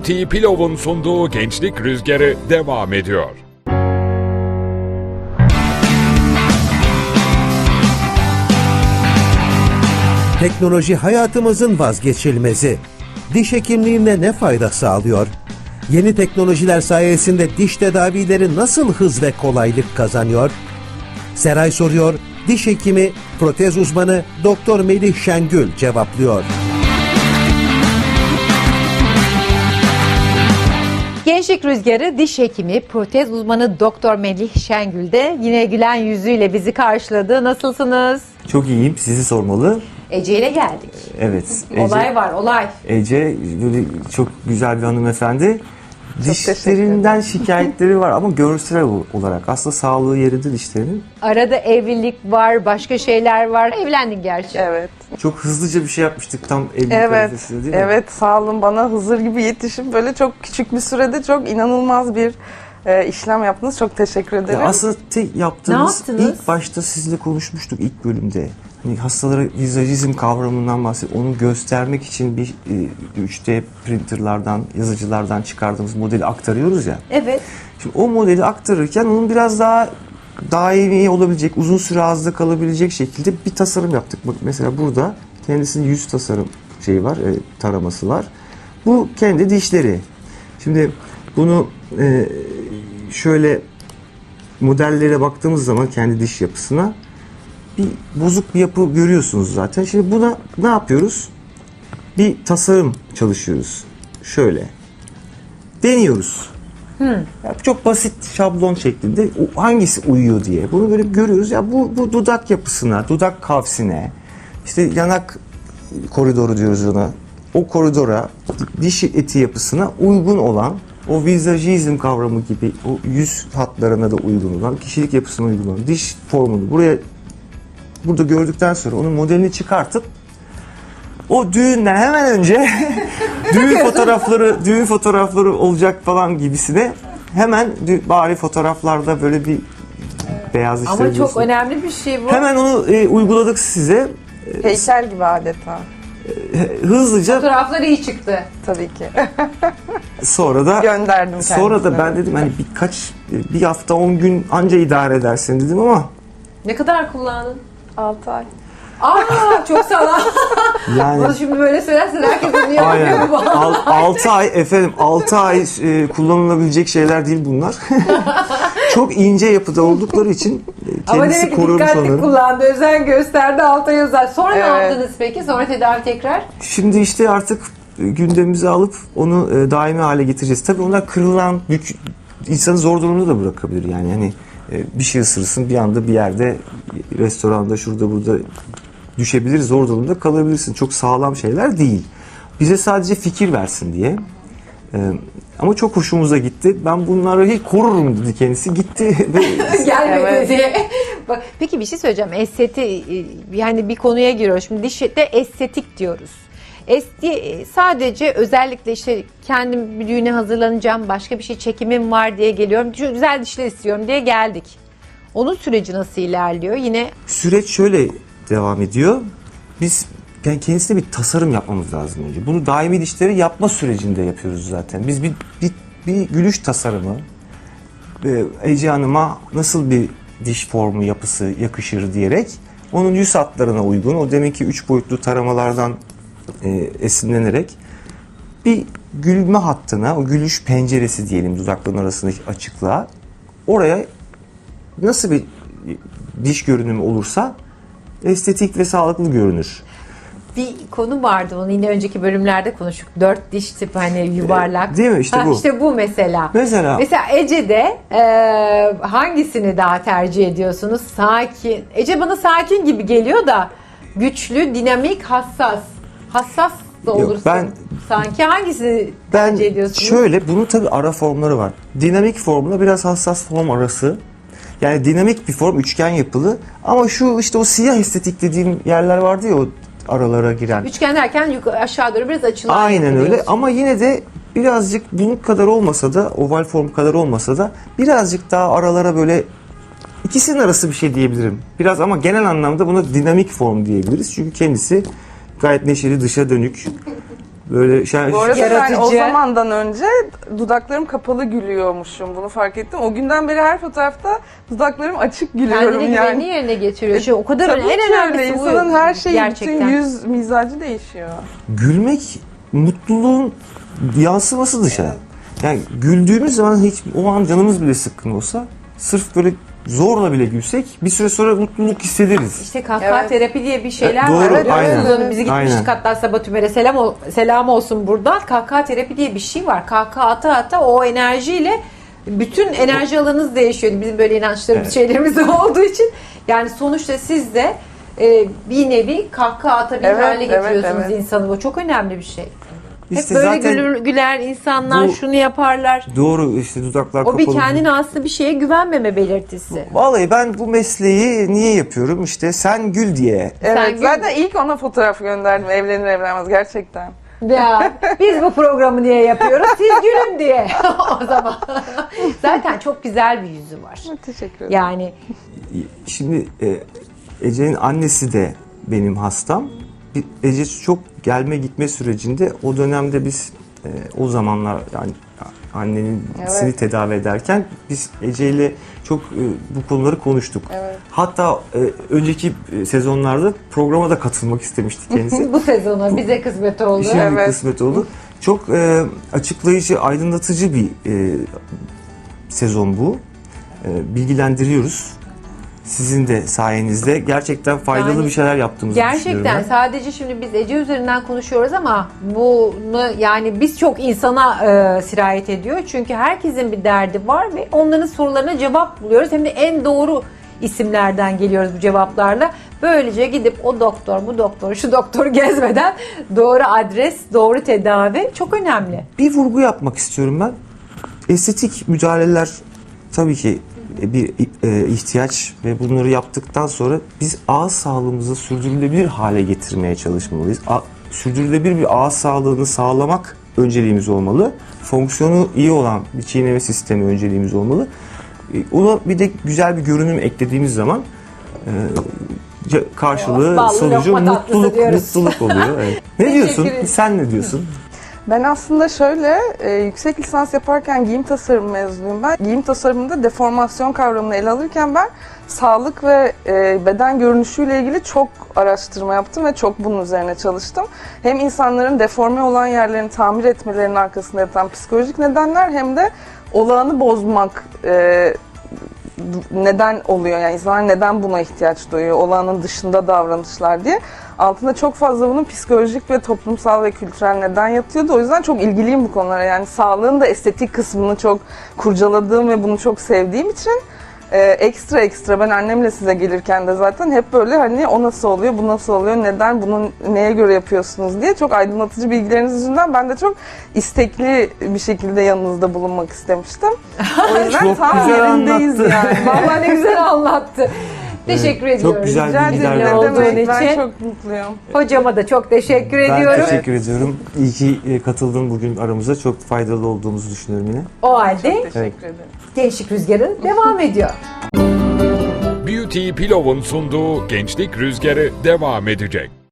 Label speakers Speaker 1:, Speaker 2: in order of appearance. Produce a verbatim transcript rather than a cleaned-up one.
Speaker 1: T Pilov'un sunduğu Gençlik Rüzgarı devam ediyor.
Speaker 2: Teknoloji hayatımızın vazgeçilmezi. Diş hekimliğine ne fayda sağlıyor? Yeni teknolojiler sayesinde diş tedavileri nasıl hız ve kolaylık kazanıyor? Seray soruyor, diş hekimi, protez uzmanı Doktor Melih Şengül cevaplıyor.
Speaker 3: Gençlik Rüzgarı diş hekimi, protez uzmanı Doktor Melih Şengül de yine gülen yüzüyle bizi karşıladı. Nasılsınız?
Speaker 4: Çok iyiyim. Sizi sormalı.
Speaker 3: Ece ile geldik.
Speaker 4: Evet. Ece,
Speaker 3: Olay var, olay.
Speaker 4: Ece böyle çok güzel bir hanımefendi. Dişlerinden şikayetleri var ama görsel olarak. Aslında sağlığı yerinde dişlerinin.
Speaker 3: Arada evlilik var, başka şeyler var. Evlendin gerçi.
Speaker 5: Evet.
Speaker 4: Çok hızlıca bir şey yapmıştık tam evlilik
Speaker 5: Evet.
Speaker 4: arifesinde, değil mi?
Speaker 5: Evet, sağ olun, bana Hızır gibi yetişip böyle çok küçük bir sürede çok inanılmaz bir e, işlem yaptınız. Çok teşekkür ederim.
Speaker 4: Ya aslında tek yaptığımız,
Speaker 3: Ne yaptınız?
Speaker 4: ilk başta sizinle konuşmuştuk ilk bölümde. Hani hastalara vizajizm kavramından bahsediyor. Onu göstermek için bir e, üç D printerlardan, yazıcılardan çıkardığımız modeli aktarıyoruz ya.
Speaker 3: Evet.
Speaker 4: Şimdi o modeli aktarırken onun biraz daha daimi olabilecek, uzun süre ağızda kalabilecek şekilde bir tasarım yaptık. Bak mesela burada kendisinin yüz tasarım şeyi var, e, taraması var. Bu kendi dişleri. Şimdi bunu e, şöyle modellere baktığımız zaman kendi diş yapısına bir bozuk bir yapı görüyorsunuz zaten. Şimdi buna ne yapıyoruz? Bir tasarım çalışıyoruz. Şöyle. Deniyoruz.
Speaker 3: Hmm.
Speaker 4: Ya çok basit şablon şeklinde o hangisi uyuyor diye. Bunu böyle görüyoruz. Ya bu, bu dudak yapısına, dudak kavsine, işte yanak koridoru diyoruz ona. O koridora, diş eti yapısına uygun olan, o vizajizm kavramı gibi o yüz hatlarına da uygun olan, kişilik yapısına uygun olan diş formunu buraya burada gördükten sonra onun modelini çıkartıp o düğünden hemen önce düğün fotoğrafları düğün fotoğrafları olacak falan gibisine hemen bari fotoğraflarda böyle bir beyaz işler
Speaker 3: Ama çok
Speaker 4: diyorsun.
Speaker 3: önemli bir şey bu.
Speaker 4: Hemen onu e, uyguladık size.
Speaker 5: Heykel gibi adeta.
Speaker 4: E, hızlıca
Speaker 3: Fotoğraflar iyi çıktı.
Speaker 5: Tabii ki.
Speaker 4: sonra da
Speaker 5: Gönderdim
Speaker 4: sonra da ben
Speaker 5: kendisine.
Speaker 4: dedim hani birkaç bir hafta on gün anca idare edersin dedim ama
Speaker 3: Ne kadar kullandın?
Speaker 5: altı ay.
Speaker 3: Aa, çok sağlam.
Speaker 4: yani
Speaker 3: Bunu şimdi böyle söylersen herkes bunu
Speaker 4: aynen.
Speaker 3: yapıyor mu?
Speaker 4: altı ay efendim altı ay e, kullanılabilecek şeyler değil bunlar. Çok ince yapıda oldukları için e,
Speaker 3: Ama
Speaker 4: kendisi
Speaker 3: demek ki
Speaker 4: korumuş
Speaker 3: dikkatli
Speaker 4: onları.
Speaker 3: kullandı, özen gösterdi, alta yazar. Sonra ne
Speaker 5: Evet.
Speaker 3: yaptınız peki? Sonra tedavi tekrar?
Speaker 4: Şimdi işte artık gündemimize alıp onu e, daimi hale getireceğiz. Tabii onlar kırılan, bük, insanı zor durumda da bırakabilir yani. Hani e, bir şey ısırırsın bir anda bir yerde restoranda şurada burada düşebilir, zor durumda kalabilirsin. Çok sağlam şeyler değil. Bize sadece fikir versin diye. E, ama çok hoşumuza gitti. Ben bunları hiç korurum dedi kendisi. Gitti ve
Speaker 3: Gelmedi
Speaker 5: Evet.
Speaker 3: diye. Bak, peki bir şey söyleyeceğim. Esteti, yani bir konuya giriyoruz. Şimdi dişte estetik diyoruz. Esti sadece özellikle işte kendim bir düğüne hazırlanacağım, başka bir şey çekimim var diye geliyorum. Şu güzel dişler istiyorum diye geldik. Onun süreci nasıl ilerliyor? Yine
Speaker 4: süreç şöyle devam ediyor. Biz yani kendisine bir tasarım yapmamız lazım önce. Bunu daimi dişleri yapma sürecinde yapıyoruz zaten. Biz bir bir, bir gülüş tasarımı e, Ece Hanım'a nasıl bir diş formu yapısı yakışır diyerek onun yüz hatlarına uygun o deminki üç boyutlu taramalardan e, esinlenerek bir gülme hattına, o gülüş penceresi diyelim dudakların arasındaki açıklığa oraya nasıl bir diş görünümü olursa estetik ve sağlıklı görünür.
Speaker 3: bir konu vardı, onu yine önceki bölümlerde konuştuk. Dört diş tipi, hani yuvarlak.
Speaker 4: Değil mi? İşte
Speaker 3: Ha,
Speaker 4: bu.
Speaker 3: İşte bu mesela.
Speaker 4: Mesela
Speaker 3: Mesela Ece'de e, hangisini daha tercih ediyorsunuz? Sakin. Ece bana sakin gibi geliyor da güçlü, dinamik, hassas. Hassas da
Speaker 4: Yok,
Speaker 3: olursun.
Speaker 4: ben-
Speaker 3: Sanki hangisini
Speaker 4: ben
Speaker 3: tercih ediyorsunuz?
Speaker 4: şöyle bunun tabii ara formları var. Dinamik formla biraz hassas form arası. Yani dinamik bir form üçgen yapılı ama şu işte o siyah estetik dediğim yerler vardı ya o aralara giren.
Speaker 3: Üçgen derken yukarı, aşağı doğru biraz açılan.
Speaker 4: Aynen
Speaker 3: yapı
Speaker 4: öyle
Speaker 3: diyorsun.
Speaker 4: ama yine de birazcık bunun kadar olmasa da oval form kadar olmasa da birazcık daha aralara böyle ikisinin arası bir şey diyebilirim. Biraz ama genel anlamda buna dinamik form diyebiliriz. Çünkü kendisi gayet neşeli, dışa dönük. Böyle şey,
Speaker 5: Bu arada ben o
Speaker 3: Yaratıcı.
Speaker 5: zamandan önce dudaklarım kapalı gülüyormuşum. Bunu fark ettim. O günden beri her fotoğrafta dudaklarım açık gülüyorum
Speaker 3: Kendine güvenini
Speaker 5: yani.
Speaker 3: yerine getiriyor. Şu, o kadar
Speaker 5: Tabii
Speaker 3: en
Speaker 5: ki
Speaker 3: önemlisi
Speaker 5: öyle.
Speaker 3: bu.
Speaker 5: İnsanın her şeyi,
Speaker 3: Gerçekten.
Speaker 5: bütün yüz mizacı değişiyor.
Speaker 4: gülmek mutluluğun yansıması dışarı. Yani güldüğümüz zaman hiç o an canımız bile sıkkın olsa sırf böyle zorla bile gülsek bir süre sonra mutluluk hissederiz.
Speaker 3: İşte kahkaha
Speaker 5: Evet.
Speaker 3: terapi diye bir şeyler
Speaker 4: Doğru,
Speaker 3: var. Evet,
Speaker 4: aynen.
Speaker 3: aynen. Bizi gitmiştik
Speaker 4: Aynen.
Speaker 3: hatta Sabah Tümer'e selam, ol- selam olsun buradan. Kahkaha terapi diye bir şey var. Kahkaha ata ata o enerjiyle bütün enerji alanınız değişiyor. Bizim böyle inançlarımız,
Speaker 4: Evet.
Speaker 3: şeylerimiz olduğu için. Yani sonuçta siz de e, bir nevi kahkaha atabilir
Speaker 5: Evet,
Speaker 3: hale
Speaker 5: evet,
Speaker 3: getiriyorsunuz
Speaker 5: evet.
Speaker 3: insanı. Bu çok önemli bir şey.
Speaker 4: İşte
Speaker 3: Hep böyle
Speaker 4: zaten
Speaker 3: gülür, güler insanlar
Speaker 4: bu-
Speaker 3: şunu yaparlar.
Speaker 4: doğru işte dudaklar
Speaker 3: O
Speaker 4: kapalı.
Speaker 3: bir kendine aslında bir şeye güvenmeme belirtisi.
Speaker 4: Vallahi ben bu mesleği niye yapıyorum? İşte sen gül diye.
Speaker 5: Evet,
Speaker 3: gül-
Speaker 5: zaten ilk ona fotoğraf gönderdim evlenir evlenmez gerçekten.
Speaker 3: Ya biz bu programı niye yapıyoruz? Siz gülün diye. O zaman. Zaten çok güzel bir yüzü var.
Speaker 5: Teşekkür ederim.
Speaker 3: Yani
Speaker 4: Şimdi e, Ece'nin annesi de benim hastam. Bir- Ece çok gelme gitme sürecinde o dönemde biz e, o zamanlar yani annenin
Speaker 5: Evet.
Speaker 4: tedavi ederken biz Ece ile çok e, bu konuları konuştuk.
Speaker 5: Evet.
Speaker 4: Hatta e, önceki e, sezonlarda programa da katılmak istemişti kendisi.
Speaker 3: bu sezona bize kısmet oldu.
Speaker 4: Şimdi
Speaker 5: Evet.
Speaker 4: kısmet oldu. Çok e, açıklayıcı, aydınlatıcı bir e, sezon bu. E, bilgilendiriyoruz. Sizin de sayenizde gerçekten faydalı
Speaker 3: Yani
Speaker 4: bir şeyler yaptığımızı
Speaker 3: Gerçekten
Speaker 4: düşünüyorum ben.
Speaker 3: sadece şimdi biz Ece üzerinden konuşuyoruz ama bunu yani biz çok insana e, sirayet ediyor. Çünkü herkesin bir derdi var ve onların sorularına cevap buluyoruz. Hem de en doğru isimlerden geliyoruz bu cevaplarla. Böylece gidip o doktor, bu doktor, şu doktoru gezmeden doğru adres, doğru tedavi çok önemli.
Speaker 4: Bir vurgu yapmak istiyorum ben. Estetik müdahaleler tabii ki bir e, ihtiyaç ve bunları yaptıktan sonra biz ağız sağlığımızı sürdürülebilir hale getirmeye çalışmalıyız. A, sürdürülebilir bir ağız sağlığını sağlamak önceliğimiz olmalı. Fonksiyonu iyi olan bir çiğneme sistemi önceliğimiz olmalı. E, ona bir de güzel bir görünüm eklediğimiz zaman e, ce- karşılığı,
Speaker 3: Ballı
Speaker 4: sonucu
Speaker 3: lokma tatlısı
Speaker 4: mutluluk
Speaker 3: diyoruz.
Speaker 4: mutluluk oluyor. Evet. Ne
Speaker 3: Teşekkür
Speaker 4: diyorsun?
Speaker 3: ederim.
Speaker 4: Sen ne diyorsun?
Speaker 5: Ben aslında şöyle, e, yüksek lisans yaparken giyim tasarım mezunuyum ben. Giyim tasarımında deformasyon kavramını ele alırken ben sağlık ve e, beden görünüşüyle ilgili çok araştırma yaptım ve çok bunun üzerine çalıştım. Hem insanların deforme olan yerlerini tamir etmelerinin arkasında yatan psikolojik nedenler hem de olağanı bozmak e, neden oluyor, yani insanlar neden buna ihtiyaç duyuyor, olağanın dışında davranışlar diye. Altında çok fazla bunun psikolojik ve toplumsal ve kültürel neden yatıyordu. O yüzden çok ilgiliyim bu konulara. Yani sağlığın da estetik kısmını çok kurcaladığım ve bunu çok sevdiğim için e, ekstra ekstra ben annemle size gelirken de zaten hep böyle hani o nasıl oluyor, bu nasıl oluyor, neden, bunu neye göre yapıyorsunuz diye çok aydınlatıcı bilgileriniz yüzünden ben de çok istekli bir şekilde yanınızda bulunmak istemiştim. O yüzden
Speaker 4: Çok
Speaker 5: tam
Speaker 4: güzel
Speaker 5: yerindeyiz
Speaker 4: anlattı.
Speaker 5: yani.
Speaker 3: Vallahi ne güzel anlattı. Teşekkür
Speaker 4: Evet, çok
Speaker 3: ediyoruz.
Speaker 4: güzel
Speaker 5: Rica
Speaker 4: bilgiler
Speaker 5: ederim.
Speaker 3: olduğun
Speaker 5: Ne demek, ben
Speaker 3: için.
Speaker 5: çok mutluyum.
Speaker 3: Hocama da çok teşekkür
Speaker 4: Ben
Speaker 3: ediyorum.
Speaker 4: teşekkür ediyorum. İyi ki e, katıldın bugün aramıza. Çok faydalı olduğumuzu düşünüyorum yine.
Speaker 3: O halde
Speaker 5: Teşekkür
Speaker 4: Evet.
Speaker 5: ederim.
Speaker 3: Gençlik Rüzgarı devam ediyor.
Speaker 1: Beauty Pillow'un sunduğu Gençlik Rüzgarı devam edecek.